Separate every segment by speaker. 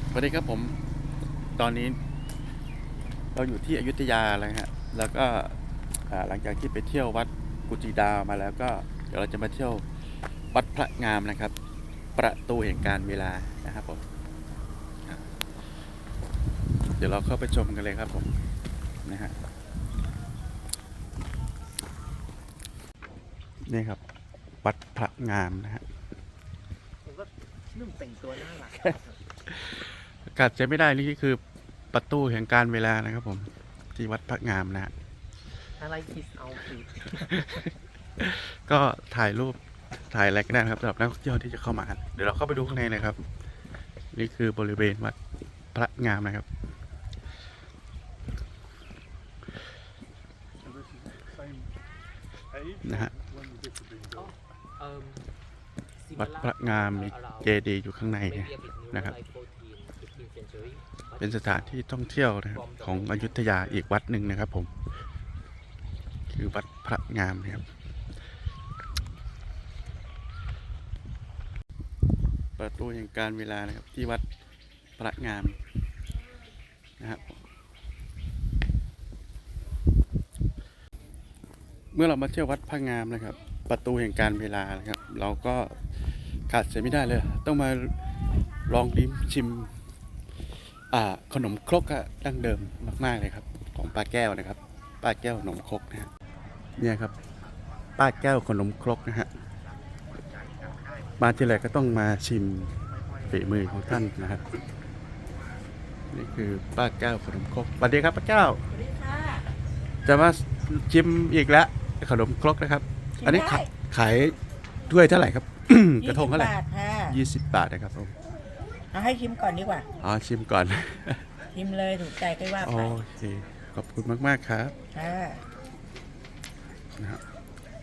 Speaker 1: สวัสดีครับผมตอนนี้เราอยู่ที่อยุธยาแล้วฮะแล้วก็หลังจากที่ไปเที่ยววัดกุจิดามาแล้วก็เดี๋ยวเราจะมาเที่ยววัดพระงามนะครับ ประตูแห่งการเวลานะครับผมเดี๋ยวเราเข้าไปชมกันเลยครับผมนะฮะนี่ครับวัดพระงามนะฮะ
Speaker 2: ผมก็นุ่มแต่งตัวน่ารัก
Speaker 1: กัดใจไม่ได้นี่คือประตูแห่งการเวลานะครับผมที่วัดพระงามนะฮะ
Speaker 2: อะไรคิสเอาฟีด
Speaker 1: ก็ถ่ายรูปถ่ายอะไรก็ได้นะครับสำหรับนักท่องเที่ยวที่จะเข้ามาเดี๋ยวเราเข้าไปดูข้างในนะครับนี่คือบริเวณวัดพระงามนะครับนะฮะวัดพระงามมีเจดีย์อยู่ข้างในนะครับเป็นสถานที่ท่องเที่ยวนะครับของอยุธยาอีกวัดหนึ่งนะครับผมคือวัดพระงามนะครับประตูแห่งการเวลานะครับที่วัดพระงามนะครับเมื่อเรามาเที่ยววัดพระงามนะครับประตูแห่งการเวลานะครับเราก็ขาดเสียไม่ได้เลยต้องมาลองลิ้มชิมขนมครกดั้งเดิมมากๆเลยครับของป้าแก้วนะครับป้าแก้วขนมครกนะฮะเนี่ยครับป้าแก้วขนมครกนะฮะมาที่ไรก็ต้องมาชิมฝีมือของท่านนะครับนี่คือป้าแก้วขนมครกสวัสดีครับป้าแก้ว
Speaker 3: สวัสดีค่ะ
Speaker 1: จะมาชิมอีกแล้วขนมครกนะครับอันนี้ขายด้วยเท่าไหร่ครับ กระทงเท่าไหร่
Speaker 3: 20 บาทค่ะ
Speaker 1: 20 บาทนะครับผม
Speaker 3: เอาให้ชิมก่อนดีกว่า
Speaker 1: อ๋อชิมก่อน
Speaker 3: ชิมเลยถูกใจก็ว่า
Speaker 1: โอ
Speaker 3: ไป
Speaker 1: เคขอบคุณมากๆครับ
Speaker 3: ค่ะ
Speaker 1: นะครับ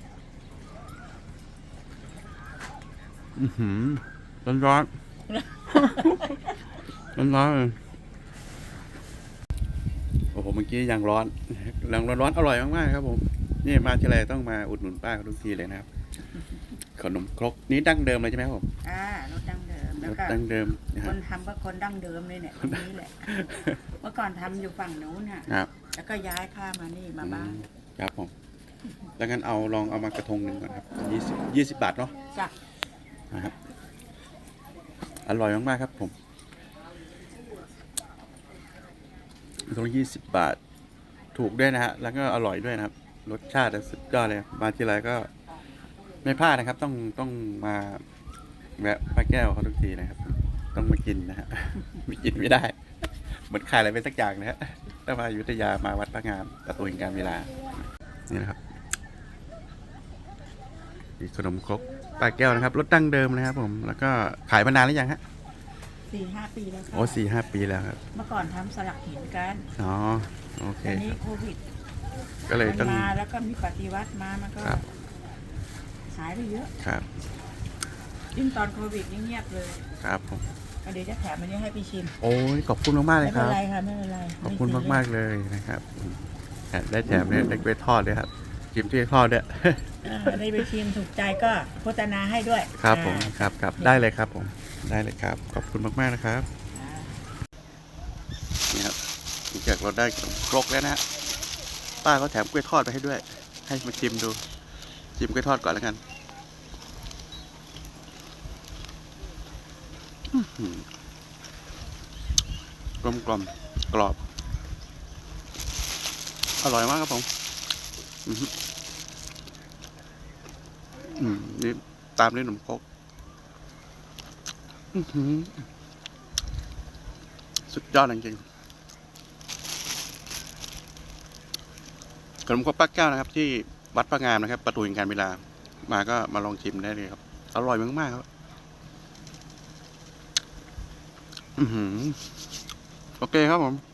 Speaker 1: ร้อนร้อนร้อนร้อนโอ้โหเมื่อกี้ยังร้อนร้อนอร่อยมากๆครับผมนี่มาทีไรต้องมาอุดหนุนป้าทุกทีเลยนะครับขนมครกนี้ดั้งเดิมเลยใช่ไหมครับผม
Speaker 3: รสดั้งเดิมแล้วก็
Speaker 1: ดั้งเดิม
Speaker 3: คนทำก็คนดั้งเดิมเลยเนี่ยคนนี้แหละเมื่อก่อนทำอยู่ฝั่งนู้นค่ะแล้วก็ย้ายข้ามานี่มาบ้าน
Speaker 1: ครับผมแล้วงั้นลองเอามากระทงหนึ่งก่อนครับ20 บาทเนาะ
Speaker 3: จ้ะ
Speaker 1: นะครับอร่อยมากๆครับผมตรง20 บาทถูกด้วยนะฮะแล้วก็อร่อยด้วยนะครับรสชาติสุดยอดเลยมาทีไรก็ไม่พลาดนะครับต้องมาแวะป้าแก้วเขาทุกทีนะครับต้องมากินนะฮะไม่กินไม่ได้เหมือนขายอะไรไปสักอย่างนะฮะถ้ามาอยุธยามาวัดพระงามประตูแห่งการเวลานี่นะครับมีขนมครกป้าแก้วนะครับรสดั้งเดิมนะครับผมแล้วก็ขายมานานหรือยังฮะ
Speaker 3: 4-5 ปีแล้วค่ะ
Speaker 1: โอ้4-5 ปีแล้วครับ
Speaker 3: เมื่อก่อนทำสลักหินกัน
Speaker 1: อ๋อโอเค
Speaker 3: ตอนนี้โควิด
Speaker 1: ก็เลยต้อง
Speaker 3: มาแล้วก็มีปฏิวัติมามันก็หายไปเยอะ
Speaker 1: ครับ
Speaker 3: ยิ่งตอนโควิดยิ่งเงียบเลย
Speaker 1: ครับผม
Speaker 3: เดี๋ยวจะแถมอันนี้ให้พี่ชิม
Speaker 1: โอ้ยขอบคุณมากๆเลยครับ
Speaker 3: ไม่เป็นไรค่ะไม่เป็นไร
Speaker 1: ขอบคุณมากๆเลยนะครับได้แถมเนี่ยได้ไปทอดด้วยครับชิมที่ทอดด้วย
Speaker 3: ได้ไปชิมถูกใจก็โฆษณาให้ด้วย
Speaker 1: ครับผมครับได้เลยครับผมได้เลยครับขอบคุณมากๆนะครับนี่ครับหลังจากเราได้ขนมครกแล้วนะฮะป้าเขาแถมกล้วยทอดไปให้ด้วยให้มาชิมดูชิมกล้วยทอดก่อนแล้วกันกลมกรอบอร่อยมากครับผมนี่ตามด้วยขนมครกสุดยอดจริงๆขนมครกป้าแก้วนะครับที่วัดพระงามนะครับประตูแห่งการเวลามาก็มาลองชิมได้เลยครับอร่อยมากๆครับโอเคครับผม